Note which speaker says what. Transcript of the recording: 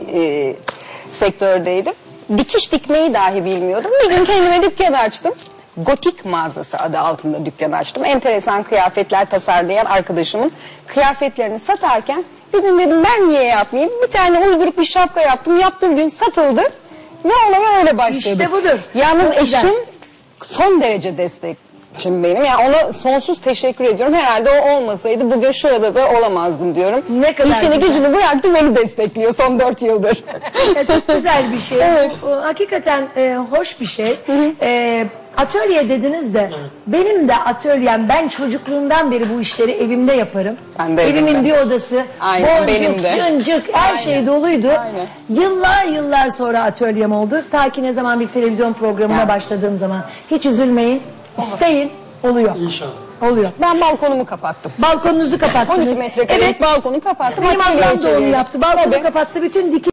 Speaker 1: sektördeydim. Dikiş dikmeyi dahi bilmiyordum. Bir gün kendime dükkan açtım. Gotik mağazası adı altında dükkan açtım. Enteresan kıyafetler tasarlayan arkadaşımın kıyafetlerini satarken bir gün dedim ben niye yapmayayım? Bir tane uyduruk bir şapka yaptım. Yaptığım gün satıldı. Ve olaya öyle başladı.
Speaker 2: İşte budur.
Speaker 1: Yalnız
Speaker 2: Çok güzel.
Speaker 1: eşim son derece destekçim benim. Yani ona sonsuz teşekkür ediyorum. Herhalde o olmasaydı bugün şurada da olamazdım diyorum.
Speaker 2: Ne kadar
Speaker 1: İşini
Speaker 2: güzel.
Speaker 1: gücünü bıraktı, beni destekliyor son 4 yıldır.
Speaker 2: Çok güzel bir şey.
Speaker 1: Evet.
Speaker 2: Bu hakikaten hoş bir şey. Atölye dediniz de benim de atölyem, ben çocukluğumdan beri bu işleri evimde yaparım.
Speaker 1: Ben de
Speaker 2: Evimin
Speaker 1: evimde.
Speaker 2: bir odası,
Speaker 1: Aynen,
Speaker 2: boncuk,
Speaker 1: benim de.
Speaker 2: cıncık her
Speaker 1: Aynen.
Speaker 2: şey doluydu.
Speaker 1: Aynen.
Speaker 2: Yıllar sonra atölyem oldu. Ta ki ne zaman bir televizyon programına
Speaker 1: Yani.
Speaker 2: başladığım zaman. Hiç üzülmeyin, isteyin, oluyor.
Speaker 3: İnşallah.
Speaker 2: Oluyor.
Speaker 1: Ben balkonumu kapattım.
Speaker 2: Balkonunuzu kapattınız.
Speaker 1: 12 metrekarelik balkonu kapattım.
Speaker 2: Benim
Speaker 1: Atölyeye
Speaker 2: ablam da onu
Speaker 1: çevirdim.
Speaker 2: yaptı. Balkonu
Speaker 1: Tabii.
Speaker 2: kapattı. Bütün